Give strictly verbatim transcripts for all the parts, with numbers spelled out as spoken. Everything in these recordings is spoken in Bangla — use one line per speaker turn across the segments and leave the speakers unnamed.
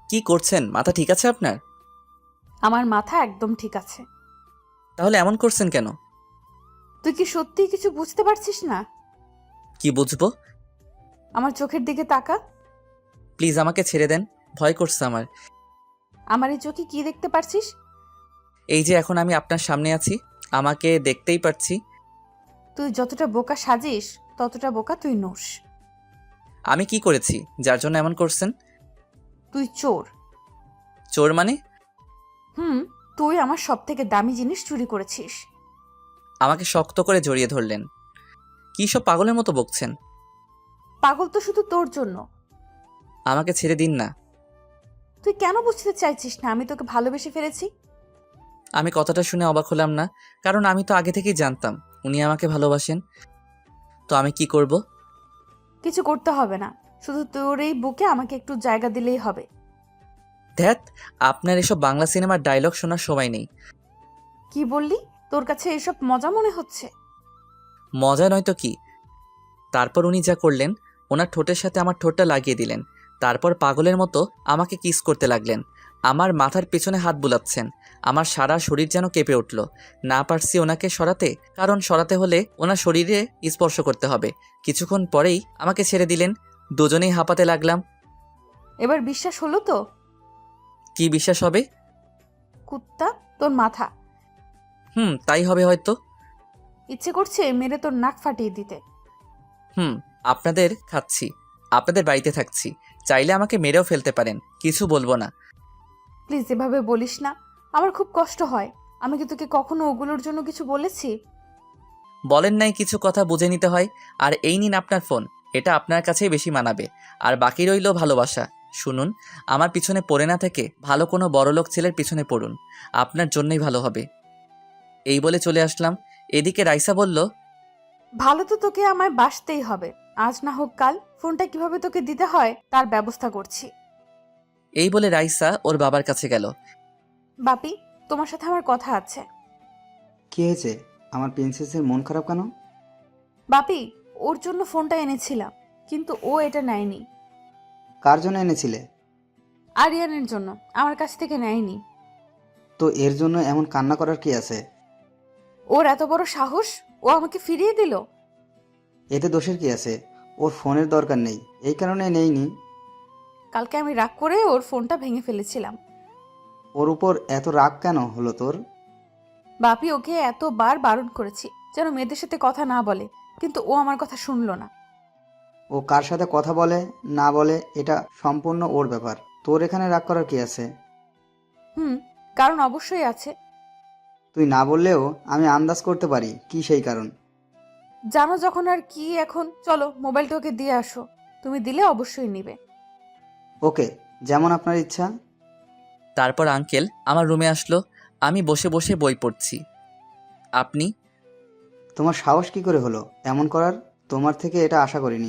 কি করছেন? মাথা ঠিক আছে আপনার?
আমার মাথা একদম ঠিক আছে।
তাহলে এমন করছেন কেন?
তুই কি সত্যিই কিছু বুঝতে পারছিস না?
কি বুঝবো?
আমার চোখের দিকে তাকা।
প্লিজ আমাকে ছেড়ে দেন, ভয় করছে আমার।
আমার এই চোখে কি দেখতে পারছিস?
এই যে এখন আমি আপনার সামনে আছি, আমাকে দেখতেই পারছি।
তুই যতটা বোকা সাজিস ততটা বোকা তুই নোস।
আমি কি করেছি যার জন্য এমন করছেন?
তুই চোর।
চোর মানে?
হুম, তুই আমার সব থেকে দামি জিনিস চুরি করেছিস।
আমাকে শক্ত করে জড়িয়ে ধরলেন। কি সব পাগলের মতো বকছেন?
পাগল তো শুধু তোর জন্য।
আমাকে ছেড়ে দিন না।
তুই কেন বুঝতে চাইছিস না আমি তোকে ভালোবেসে ফেলেছি?
আমি কথাটা শুনে অবাক হলাম না, কারণ আমি তো আগে থেকেই জানতাম উনি আমাকে ভালোবাসেন। তো আমি কি করব?
কিছু করতে হবে না, শুধু তোর এই বুকে আমাকে একটু জায়গা দিলেই হবে।
ধ্যাত, আপনার এসব বাংলা সিনেমার ডায়লগ শোনার সময় নেই।
কি বললি? তোর কাছে এসব মজা মনে হচ্ছে?
মজা নয় তো কি। তারপর উনি যা করলেন, ওনার ঠোঁটের সাথে আমার ঠোঁটটা লাগিয়ে দিলেন। তারপর পাগলের মতো আমাকে কিস করতে লাগলেন। আমার মাথার পেছনে হাত বুলাচ্ছেন। আমার সারা শরীর যেন কেঁপে উঠল। না পারছি ওনাকে সরাতে, কারণ সরাতে হলে ওনার শরীরে স্পর্শ করতে হবে। কিছুক্ষণ পরেই আমাকে ছেড়ে দিলেন। দুজনেই হাঁপাতে লাগলাম।
এবার বিশ্বাস হলো তো?
কি বিশ্বাস হবে?
কুত্তা, তোর মাথা।
হুম, তাই হবে হয়তো।
ইচ্ছে করছে মেরে তোর নাক ফাটিয়ে দিতে।
হুম, আপনাদের খাচ্ছি, আপনাদের বাড়িতে থাকছি, চাইলে আমাকে মেরেও ফেলতে পারেন, কিছু বলবো না।
প্লিজ এভাবে বলিস না, আমার খুব কষ্ট হয়। আমি কি তোকে কখনো ওগুলোর জন্য কিছু বলেছি?
বলেন নাই কিছু কথা বুঝে নিতে হয়। আর এই নিন আপনার ফোন, এটা আপনার কাছেই বেশি মানাবে। আর বাকি রইল ভালোবাসা। শুনুন, আমার পিছনে পড়ে না থেকে ভালো কোনো বড়লোক ছেলের পিছনে পড়ুন, আপনার জন্যই ভালো হবে। এই বলে চলে আসলাম। এদিকে রাইসা বলল,
ভালো তো তোকে আমায় বাসতেই হবে। আজ না হোক কাল ফোনটা কিভাবে তোকে দিতে হয় তার ব্যবস্থা করছি।
এই বলে রাইসা ওর বাবার কাছে গেল।
বাপি, তোমার সাথে আমার কথা আছে।
কি হয়েছে? আমার প্রিন্সেসের মন খারাপ কেন?
বাপি, ওর জন্য ফোনটা এনেছিলাম, কিন্তু ও এটা নেয়নি।
কার জন্য এনেছিলে?
আরিয়ানের জন্য, আমার কাছ থেকে নেয়নি।
তো এর জন্য এমন কান্না করার কি আছে?
ওর এত বড় সাহস, ও আমাকে ফিরিয়ে দিল।
এতে দোষের কি আছে? ওর ফোনের দরকার নেই, এই কারণে নেইনি।
কালকে আমি রাগ করে ওর ফোনটা ভেঙে ফেলেছিলাম।
ওর উপর এত রাগ কেন হলো তোর?
বাপি, ওকে এতবার বারণ করেছি যেন মেয়েদের সাথে কথা না বলে, কিন্তু ও আমার কথা শুনলো না।
ও কার সাথে কথা বলে না বলে এটা সম্পূর্ণ ওর ব্যাপার। তোর এখানে রাগ করার কি আছে?
হুম, কারণ অবশ্যই আছে।
তুই না বললেও আমি আন্দাজ করতে পারি কি সেই কারণ।
জানো যখন আর কি, এখন চলো মোবাইলটা ওকে দিয়ে আসো। তুমি দিলে অবশ্যই নিবে।
ওকে, যেমন আপনার ইচ্ছা।
তারপর আঙ্কেল আমার রুমে আসলো। আমি বসে বসে বই পড়ছি। আপনি?
তোমার সাহস কি করে হলো এমন করার? তোমার থেকে এটা আশা করিনি।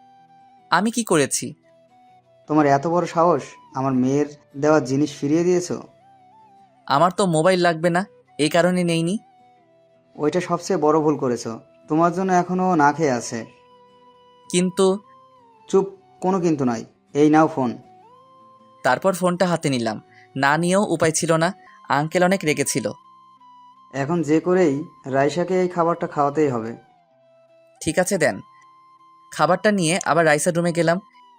আমি কি করেছি?
তোমার এত বড় সাহস, আমার মেয়ের দেওয়া জিনিস ফিরিয়ে দিয়েছো?
আমার তো মোবাইল লাগবে না, এই কারণে নেইনি।
ওইটা সবচেয়ে বড় ভুল করেছো। তোমার জন্য এখনো না খেয়ে আছে।
কিন্তু।
চুপ, কোনো কিন্তু নয়। এই নাও ফোন।
তারপর ফোনটা হাতে নিলাম। না নিয়েও উপায় ছিল না, আঙ্কেল অনেক রেগেছিল।
এখন যে করেই রাইসাকে এই খাবারটা খাওয়াতেই হবে।
ঠিক আছে, দেন। খাবারটা নিয়ে আবার রাইসার রুমে গেলাম।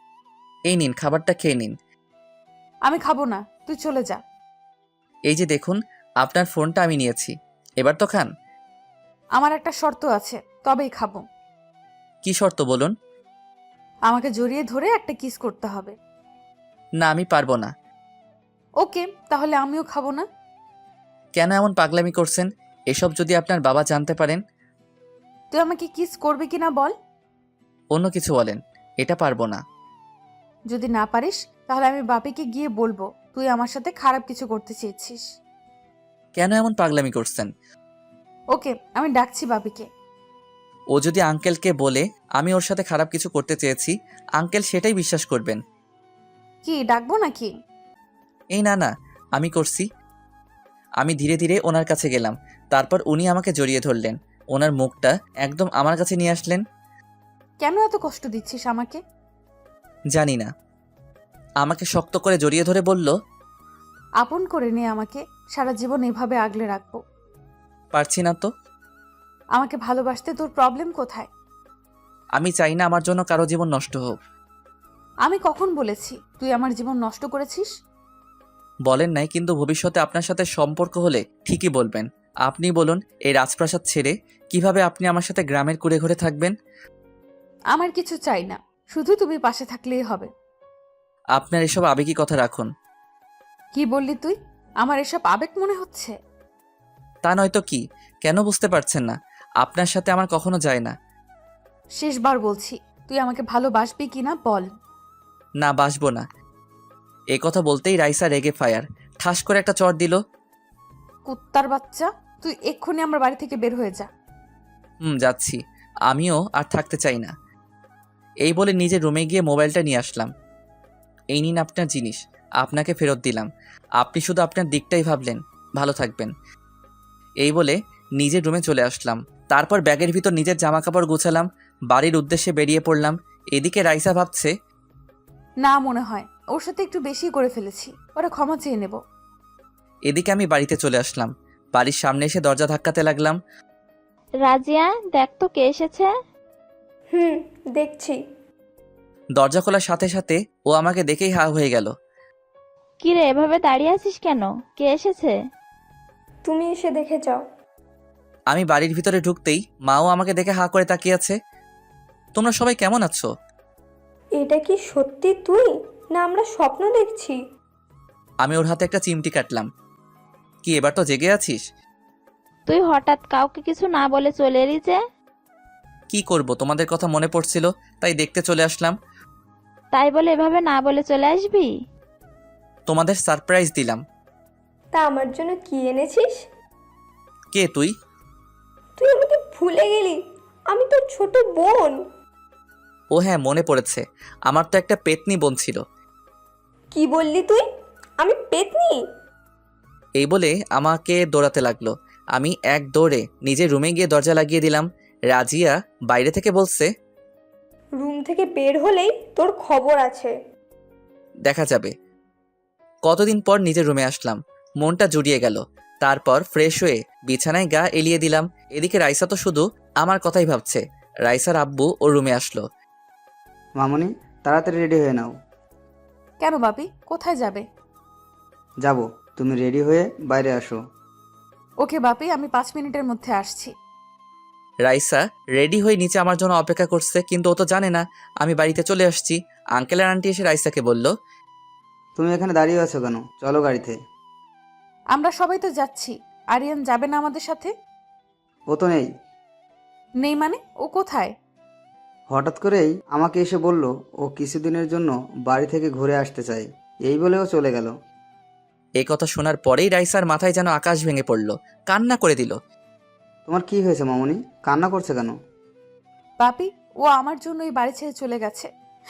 এই নিন, খাবারটা খেয়ে নিন।
আমি খাবো না, তুই চলে যা।
এই যে দেখুন, আপনার ফোনটা আমি নিয়েছি, এবার তো খান।
আমার একটা শর্ত আছে, তবেই খাবো।
কি শর্ত বলুন?
আমাকে জড়িয়ে ধরে একটা কিস করতে হবে।
না, আমি পারবো না।
ওকে, তাহলে আমিও খাবো না।
কেন এমন পাগলামি করছেন? এসব যদি আপনার বাবা জানতে পারেন?
তুই আমাকে কিস করবি কিনা বল।
অন্য কিছু বলেন, এটা পারবো না।
যদি না পারিস তাহলে আমি বাপিকে গিয়ে বলবো তুই আমার সাথে খারাপ কিছু করতে চেয়েছিস।
কেন এমন পাগলামি করছেন?
ওকে, আমি ডাকছি বাপিকে।
ও যদি আঙ্কেলকে বলে আমি ওর সাথে খারাপ কিছু করতে চেয়েছি, আঙ্কেল সেটাই বিশ্বাস করবেন।
কি ডাকবো নাকি?
এই না না, আমি করছি। আমি ধীরে ধীরে ওনার কাছে গেলাম। তারপর উনি আমাকে জড়িয়ে ধরলেন। ওনার মুখটা একদম আমার কাছে নিয়ে আসলেন।
কেন এত কষ্ট দিচ্ছিস আমাকে?
জানি না। আমাকে শক্ত করে জড়িয়ে ধরে বলল,
আপন করে নে আমাকে, সারা জীবন এভাবে আগলে রাখবো।
পারছি না তো।
আমাকে ভালোবাসতে তোর প্রবলেম কোথায়?
আমি চাই না আমার জন্য কারো জীবন নষ্ট হোক।
আমি কখন বলেছি তুই আমার জীবন নষ্ট করেছিস?
বলেন নাই, কিন্তু ভবিষ্যতে আপনার সাথে সম্পর্ক হলে ঠিকই বলবেন। আপনি বলুন, এই রাজপ্রাসাদ ছেড়ে কিভাবে আপনি আমার সাথে গ্রামের কুড়ে ঘুরে থাকবেন?
আমার কিছু চাই না, শুধু তুমি পাশে থাকলেই হবে।
আপনার এসব আবেগী কথা রাখুন।
কি বললি তুই? আমার এসব আবেগ মনে হচ্ছে?
তা নয়তো কি? কেন বুঝতে পারছেন না? আপনার সাথে আমার কখনো যায় না।
শেষবার বলছি, তুই আমাকে ভালোবাসবি কিনা বল।
না, বাসবো না। এ কথা বলতেই রাইসা রেগে ফায়ার ঠাস করে একটা চড় দিল।
কুত্তার বাচ্চা, তুই এক্ষুনি আমার বাড়ি থেকে বের হয়ে যা।
হুম, যাচ্ছি। আমিও আর থাকতে চাই না। এই বলে নিজের রুমে গিয়ে মোবাইলটা নিয়ে আসলাম। এই নিন আপনার জিনিস, আপনাকে ফেরত দিলাম। আপনি শুধু আপনার দিকটাই ভাবলেন। ভালো থাকবেন। এই বলে নিজের রুমে চলে আসলাম। তারপর ব্যাগের ভিতর নিজের জামাকাপড় গুছালাম, বাড়ির উদ্দেশ্যে বেরিয়ে পড়লাম। এদিকে রাইসা ভাবছে,
না, মনে হয় ওর সাথে একটু বেশি করে ফেলেছি, ওরা ক্ষমা চেয়ে নেব।
এদিকে আমি বাড়িতে চলে আসলাম। বাড়ির সামনে এসে দরজা ধাক্কাতে লাগলাম।
রাজিয়া, দেখ তো কে এসেছে।
হুম, দেখছি।
দরজা খোলার সাথে সাথে ও আমাকে দেখেই হা হয়ে গেল।
কি রে, এভাবে দাঁড়িয়ে আছিস কেন? কে এসেছে?
তুমি এসে দেখে যাও।
আমি বাড়ির ভিতরে ঢুকতেই মাও আমাকে দেখে হা করে তাকিয়ে আছে। তোমরা সবাই কেমন আছো?
এটা কি সত্যি তুই, না আমরা স্বপ্ন দেখছি?
আমি ওর হাতে একটা চিমটি কাটলাম। কি এবার তো জেগে আছিস?
তুই হঠাৎ কাউকে কিছু না বলে চলে এলি যে?
কি করব, তোমাদের কথা মনে পড়ছিল, তাই দেখতে চলে আসলাম।
তাই বলে এভাবে না বলে চলে আসবি?
তোমাদের সারপ্রাইজ দিলাম।
তা আমার জন্য কি এনেছিস?
কে তুই?
তুই আমাকে ভুলে গেলি? আমি তোর ছোট বোন।
ও হ্যাঁ, মনে পড়েছে। আমার তো একটা পেতনি বোন ছিল।
কি বললি তুই? আমি পেতনি?
এই বলে আমাকে দৌড়াতে লাগলো। আমি এক দৌড়ে নিজের রুমে গিয়ে দরজা লাগিয়ে দিলাম। রাজিয়া বাইরে থেকে বলছে,
রুম থেকে বের হলেই তোর খবর আছে।
দেখা যাবে। কতদিন পর নিজের রুমে আসলাম, মনটা জুড়িয়ে গেল। তারপর ফ্রেশ হয়ে বিছানায় গা এলিয়ে দিলাম। এদিকে রাইসা তো শুধু আমার কথাই ভাবছে। রাইসার আব্বু ওর রুমে আসলো।
মামনি, তাড়াতাড়ি রেডি হয়ে নাও।
কেন বাপি, কোথায় যাবে?
যাব, তুমি রেডি হয়ে বাইরে আসো।
ওকে বাপি, আমি পাঁচ মিনিটের মধ্যে আসছি।
রাইসা রেডি হয়ে নিচে আমার জন্য অপেক্ষা করছে, কিন্তু ও তো জানে না আমি বাড়িতে চলে আসছি। আঙ্কেল আর আন্টি এসে রাইসাকে বলল,
তুমি এখানে দাঁড়িয়ে আছো কেন? চলো গাড়িতে।
আমরা সবাই তো যাচ্ছি, আরিয়ান যাবে না আমাদের সাথে?
ও তো নেই।
নেই মানে? ও কোথায়?
হঠাৎ করেই আমাকে এসে বলল ও কিছুদিনের জন্য বাড়ি থেকে ঘুরে আসতে চায়, এই বলে ও চলে গেল।
এই কথা শোনার পরেই রাইসার মাথায় যেন আকাশ ভেঙে পড়ল, কান্না করে দিল।
তোমার কি হয়েছে মামনি? কান্না করছে কেন?
বাপি, ও আমার জন্য এই বাড়ি ছেড়ে চলে গেছে।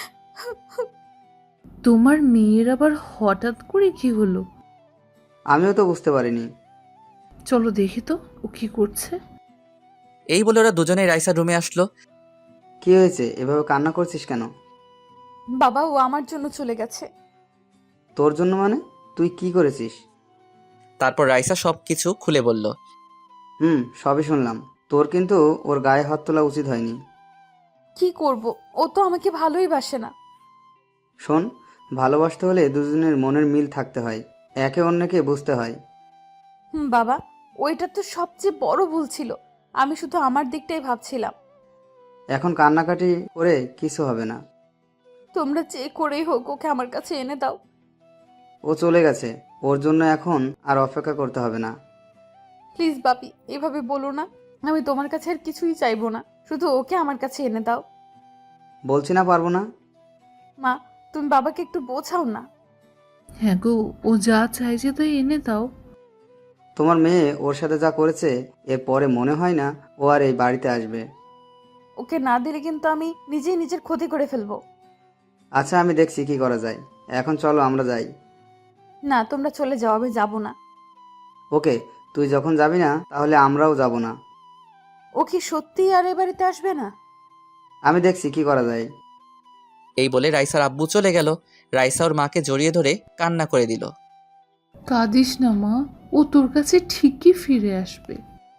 তোমার মেয়ের আবার হঠাৎ করে কি হলো?
আমিও তো বুঝতে পারিনি।
চলো দেখি তো ও কি করছে।
এই বলে ওরা দুজনেই রাইসার রুমে আসলো।
কি হয়েছে, এভাবে কান্না করছিস কেন?
বাবা, ও আমার জন্য চলে গেছে।
তোর জন্য মানে? তুই কি করেছিস?
তারপর রাইসা সব কিছু খুলে বলল।
হুম, সবই শুনলাম। তোর কিন্তু ওর গায়ে হাত তোলা উচিত হয়নি।
কি করব, ও তো আমাকে ভালোই বাসে না।
শোন, ভালোবাসতে হলে দুজনের মনের মিল থাকতে হয়, একে অন্যকে বুঝতে হয়।
হুম বাবা, ওইটা তো সবচেয়ে বড় ভুল ছিল। আমি শুধু আমার দিকটাই ভাবছিলাম।
এখন কান্নাকাটি করে কিছু হবে না।
তোমরা যে করেই হোক ওকে আমার কাছে এনে দাও।
ও চলে গেছে, ওর জন্য এখন আর অপেক্ষা করতে হবে না।
প্লিজ বাপি, এভাবে বলো না। আমি তোমার কাছে আর কিছুই চাইবো না, শুধু ওকে আমার কাছে এনে দাও।
বলছি না পারবো না।
মা, তুমি বাবাকে একটু বোঝাও না।
হ্যাঁ গো, ও যা চাইছে তাই এনে দাও।
তোমার মেয়ে ওর সাথে যা করেছে, এরপরে মনে হয় না ও আর এই বাড়িতে আসবে।
ওকে না দিলে কিন্তু আমি নিজেই নিজের ক্ষতি করে ফেলবো।
আচ্ছা, আমি দেখছি কি করা যায়। এখন চলো আমরা যাই।
না, তোমরা চলে যাও, আমি যাবো না।
ওকে, তুই যখন যাবি না তাহলে আমরাও যাব না।
ও কি সত্যিই আর এ বাড়িতে আসবে না?
আমি দেখছি কি করা যায়।
এই বলে রাইসার আব্বু চলে গেল। রাইসা ওর মাকে জড়িয়ে ধরে কান্না করে দিল।
কাঁদিস না মা, ও তোর কাছে ঠিকই ফিরে আসবে।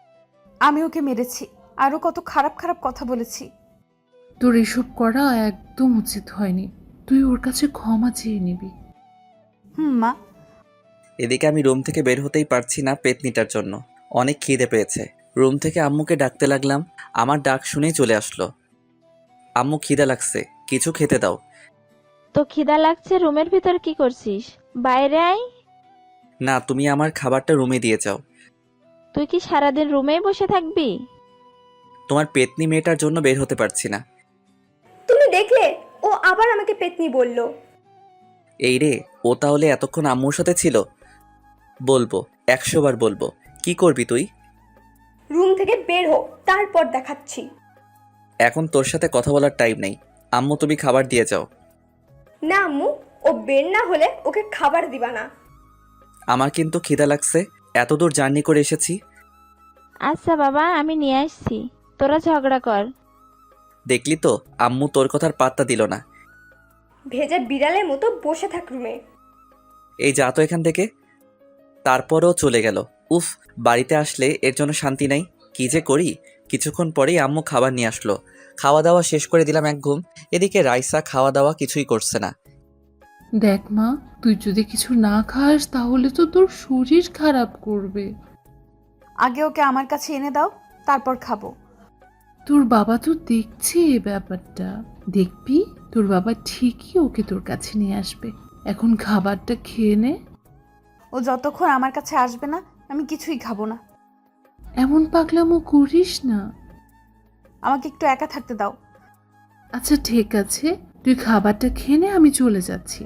আমি ওকে মেরেছি, আরও কত খারাপ খারাপ কথা বলেছি।
তোর এসব করা একদম উচিত হয়নি। তুই ওর কাছে ক্ষমা চেয়ে নিবি।
হুম মা।
এদিকে আমি রুম থেকে বের হতেই পারছি না পেতনিটার জন্য। অনেক খিদে পেয়েছে। রুম থেকে আম্মুকে ডাকতে লাগলাম। আমার ডাক শুনেই চলে আসলো। আম্মু খিদে লাগছে, কিছু খেতে দাও।
তো খিদা লাগছে, রুমের ভিতর কি করছিস? বাইরে আয়।
না, তুমি আমার খাবারটা রুমে দিয়ে যাও।
তুই কি সারাদিন রুমেই বসে থাকবি?
তোমার পেতনি মেয়েটার জন্য বের হতে পারছি না।
তুমি দেখলে ও আবার আমাকে পেতনি বলল।
এই রে, ও তাহলে এতক্ষণ আম্মুর সাথে ছিল? বলবো, একশো বার বলবো। কি করবি তুই?
রুম থেকে বের হো, তারপর দেখাচ্ছি।
এখন তোর সাথে কথা বলার টাইম নেই। আম্মু, তুমি খাবার দিয়ে যাও।
না আম্মু, ও বের না হলে ওকে খাবার দিবা না।
আমার কিন্তু খিদা লাগছে, এত দূর জার্নি করে এসেছি।
আচ্ছা বাবা, আমি নিয়ে আসছি, তোরা ঝগড়া কর।
দেখলি তো, আম্মু তোর কথার পাত্তা দিল না।
ভেজা বিড়ালের মতো বসে থাক রুমে।
এই যা তো এখান থেকে। তারপরও চলে গেল। উফ, বাড়িতে আসলে এর জন্য শান্তি নাই। কি যে করি। কিছুক্ষণ পরেই আম্মু খাবার নিয়ে আসলো। খাওয়া দাওয়া শেষ করে দিলাম এক ঘুম। এদিকে রাইসা খাওয়া দাওয়া কিছুই করছে না।
দেখ মা, তুই যদি কিছু না খাস তাহলে তো তোর শরীর খারাপ করবে।
আগে ওকে আমার কাছে এনে দাও, তারপর খাবো।
তোর বাবা তো দেখছে এ ব্যাপারটা। দেখবি তোর বাবা ঠিকই ওকে তোর কাছে নিয়ে আসবে। এখন খাবারটা খেয়ে নে।
ও যতক্ষণ আমার কাছে আসবে না, আমি কিছুই খাবো না।
এমন পাগলামো করিস না।
আমাকে একটু একা থাকতে দাও।
আচ্ছা ঠিক আছে, তুই খাবারটা খেয়ে নে, আমি চলে যাচ্ছি।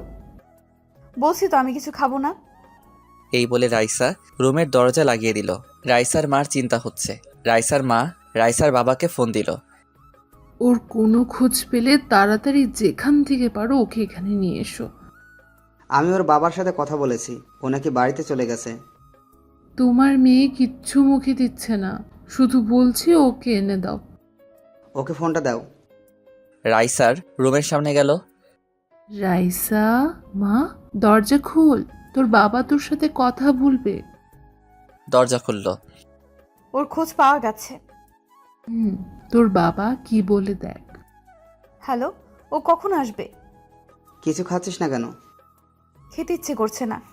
বলছি তো আমি কিছু খাবো না।
এই বলে রাইসা রুমের দরজা লাগিয়ে দিল। রাইসার মার চিন্তা হচ্ছে। রাইসার মা রাইসার বাবাকে ফোন দিল।
ওর কোনো খোঁজ পেলে তাড়াতাড়ি যেখান থেকে পারো ওকে এখানে নিয়ে এসো।
আমি ওর বাবার সাথে কথা বলেছি, ও নাকি বাড়িতে চলে গেছে।
তোমার মেয়ে কিচ্ছু মুখে দিচ্ছে না, শুধু বলছে ওকে এনে দাও।
ওকে ফোনটা দাও।
রাইসার রুমের সামনে গেল।
রাইসা, মা দরজা খোল, তোর বাবা তোর সাথে কথা বলবে।
দরজা খুলল।
ওর খোঁজ পাওয়া গেছে।
হুম, তোর বাবা কি বলে দেখ।
হ্যালো, ও কখন আসবে?
কিছু খাচ্ছিস না কেন?
খেতে ইচ্ছে করছে না।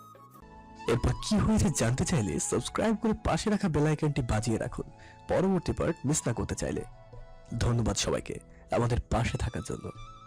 এরপর কি হয়েছে জানতে চাইলে সাবস্ক্রাইব করে পাশে রাখা বেল আইকনটি বাজিয়ে রাখুন পরবর্তী পার্ট মিস না করতে চাইলে। ধন্যবাদ সবাইকে আমাদের পাশে থাকার জন্য।